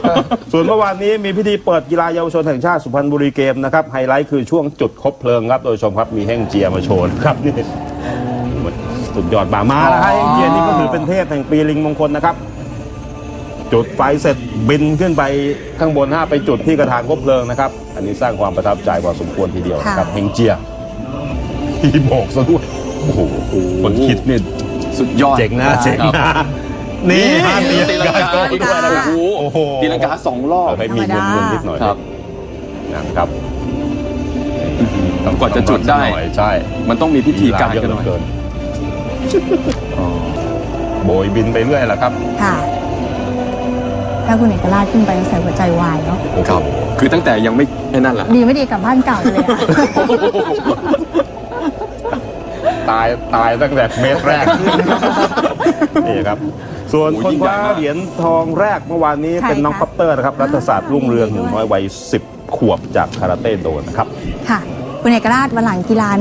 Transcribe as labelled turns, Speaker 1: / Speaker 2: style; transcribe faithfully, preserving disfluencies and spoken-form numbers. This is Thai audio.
Speaker 1: ส่วนเมื่อวานนี้มีพิธีเปิดกีฬาเยาวชนแห่งชาติสุพรรณบุรีเกมนะครับไฮไลท์คือช่วงจุดคบเพลิงครับโดยชมครับมีแห้งเจียมาโชว์ครับนี่สุดยอดบามาแล้วให้แห้งเจียนี่ก็ถือเป็นเทพแห่งปีลิงมงคลนะครับจุดไฟเสร็จบินขึ้นไปข้างบนห้าไปจุดที่กระถางคบเพลิงนะครับอันนี้สร้างความประทับใจพอสมควรทีเดียวนะครับแห้งเจียที่โบกซะด้วยโอ้โหคนคิดนี่
Speaker 2: สุดยอด
Speaker 1: เจ๋งนะเจ๋งนะนี่ฮะตีลังกาด้วยนะครับโอ้โห
Speaker 2: ตีลังกาสองรอบ
Speaker 1: ให้มีเงินเงินนิดหน่อย
Speaker 2: ครับ
Speaker 1: นะครับ
Speaker 2: ก่อนจะจุดได้
Speaker 1: ใช่
Speaker 2: มันต้องมีพิธีการกันหน่อย
Speaker 1: โบยบินไปเรื่อยแหละครับ
Speaker 3: ค่ะถ้าคุณเอกราชขึ้นไปใส่หัวใจวายเนาะ
Speaker 2: ครับคือตั้งแต่ยังไม่แค่นั้นแหละ
Speaker 3: ดีไม่ดีกับบ้านเก่าเลย
Speaker 1: ตายตายตั้งแต่เมตรแรกนี่ครับส่วนคนคว้าเหรียญทองแรกเมื่อวานนี้เป็นน้องคอปเตอร์นะครับรัฐศาสตร์รุ่งเรืองหนุ่มน้อยวัยสิบขวบจากคาราเต้โดนะครับ
Speaker 3: ค่ะคุณเอกราชวันหลังกีฬา